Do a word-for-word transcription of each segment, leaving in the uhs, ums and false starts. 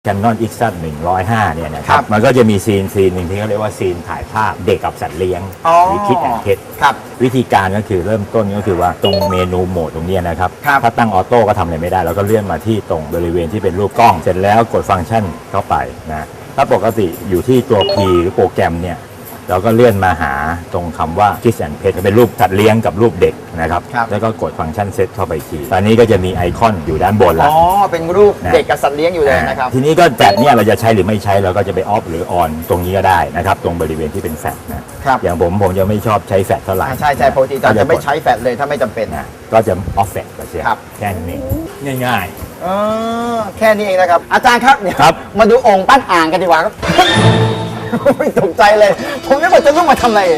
Canon อี เอ็กซ์ ซี หนึ่งร้อยห้าเนี่ยนะครับมันก็จะมีซีนซีนหนึ่งที่เขาเรียกว่าซีนถ่ายภาพเด็กกับสัตว์เลี้ยงหรือคิดแอนด์เทสวิธีการก็คือเริ่มต้นก็คือว่าตรงเมนูโหมดตรงนี้นะครับถ้าตั้งออโต้ก็ทำอะไรไม่ได้เราก็เลื่อนมาที่ตรงบริเวณที่เป็นรูปกล้องเสร็จแล้วกดฟังก์ชันเข้าไปนะถ้าปกติอยู่ที่ตัว P หรือโปรแกรมเนี่ยเราก็เลื่อนมาหาตรงคำว่า Kids and Pet เป็นรูปสัตว์เลี้ยงกับรูปเด็กนะครับแล้วก็กดฟังก์ชันเซตเข้าไปทีตอนนี้ก็จะมีไอคอนอยู่ด้านบนแล้วอ๋อเป็นรูปเด็กกับสัตว์เลี้ยงอยู่เลยนะครับทีนี้ก็แฟลชเนี่ยเราจะใช้หรือไม่ใช้เราก็จะไปออฟหรือออนตรงนี้ก็ได้นะครับตรงบริเวณที่เป็นแฟลชนะอย่างผมผมจะไม่ชอบใช้แฟลชเท่าไหร่ใช่ใช่ปกติจะไม่ใช้แฟลชเลยถ้าไม่จำเป็นนะก็จะออฟแฟลชก็เสียแค่นี้ง่ายๆอ๋อแค่นี้เองนะครับอาจารย์ครับเนี่ยมาดูองค์ปั้นอ่างกันดีกว่าครับไม่ตกใจเลยผมไม่ว่าจะต้องมาทำอะไร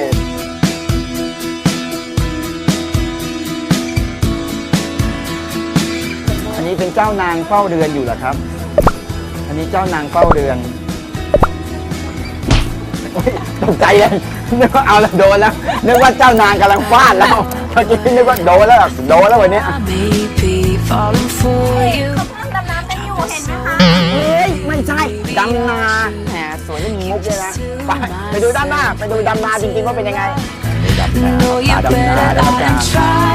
อันนี้เป็นเจ้านางเฝ้าเรือนอยู่เหรอครับอันนี้เจ้านางเฝ้าเรือนตกใจเลยนึกว่าเอาแล้วโดนแล้วนึกว่าเจ้านางกำลังฟาดแล้วเมื่อกี้นึกว่าโดนแล้วโดนแล้ววันนี้เขากำลังดำน้ำกันอยู่เห็นไหมคะเฮ้ยไม่ใช่ดำนาแหมสวยนี่มีมุกด้วยนะไปไปดูด้านหน้าไปดูดำนาจริงๆว่าเป็นยังไงดำนาดำนาดำนา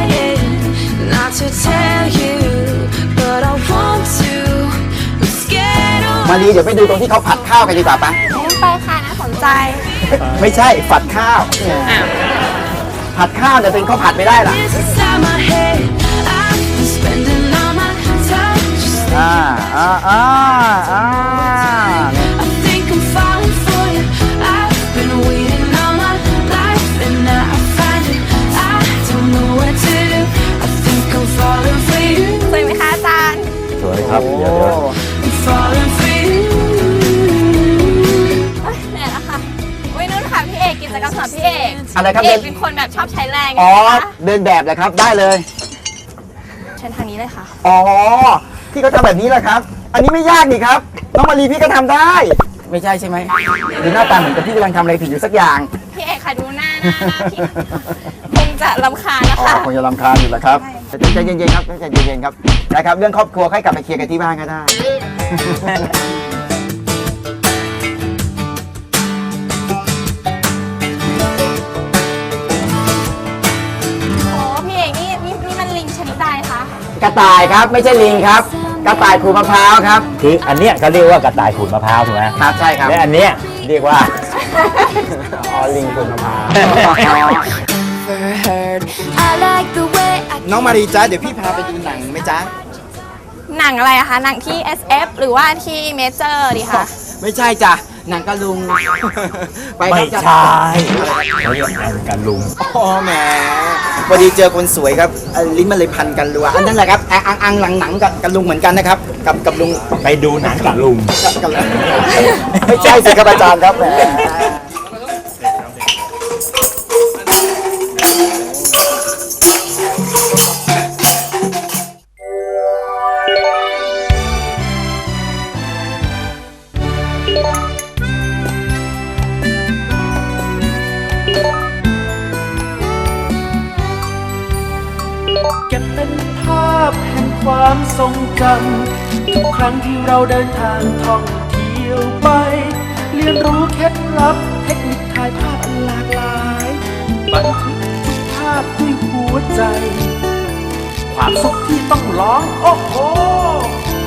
มาลีเดี๋ยวไปดูตรงที่เขาผัดข้าวกันดีกว่าปะไปค่ะน่าสนใจไม่ใช่ผัดข้าวผัดข้าวแต่เป็นข้าวผัดไม่ได้ล่ะอ่าอ่าอ่าอ่าสวยไหมคะอาจารย์สวยครับเดี๋ยวเดี๋ยวเนี่ยนะคะวินุ่นค่ะพี่เอกกิจกรรมสำหรับพี่เอกอะไรครับพี่เอกเป็นคนแบบชอบใช้แรงอ๋อเดินแบบเลยครับได้เลยเชิญทางนี้เลยค่ะอ๋อพี่ก็ทำแบบนี้แหละครับอันนี้ไม่ยากนี่ครับน้องมารีพี่ก็ทำได้ไม่ใช่ใช่ไหมดูหน้าตาเหมือนกับพี่กำลังทำอะไรผิดอยู่สักอย่างพี่เอกค่ะดูหน้าหน้าพี่คงจะรำคาญนะคะคงจะรำคาญอยู่แหละครับใจเย็นๆครับใจเย็นๆครับนะครับเรื่องครอบครัวให้กลับไปเคลียร์กันที่บ้านก็ได้กระต่ายครับไม่ใช่ลิงครับกระต่ายขูดมะพร้าวครับคืออันเนี้ยเขาเรียกว่ากระต่ายขูดมะพร้าวถูกไหมครับใช่ครับและอันเนี้ยเรียกว่าอ๋อลิงขูดมะพร้าวน้องมารีจ้าเดี๋ยวพี่พาไปดูหนังไหมจ๊ะหนังอะไรอะคะหนังที่ เอส เอฟ หรือว่าที่เมเจอร์ดีคะไม่ใช่จ้ะหนังกะลุงไม่ใช่เขาเรียกหนังกะลุงอ๋อแหมพอดีเจอคนสวยครับลิ้นมันเลยพันกันรัวอันนั้นแหละครับอังอังหลังหนังกับกะลุงเหมือนกันนะครับกับกับลุงไปดูหนังกะลุงไม่ใช่สิครับอาจารย์ครับแหมเก็บเป็นภาพแห่งความทรงจำทุกครั้งที่เราเดินทางท่องเที่ยวไปเรียนรู้เคล็ดลับเทคนิคถ่ายภาพอันหลากหลายบันทึกทุกภาพด้วยหัวใจความสุขที่ต้องร้องโอ้โห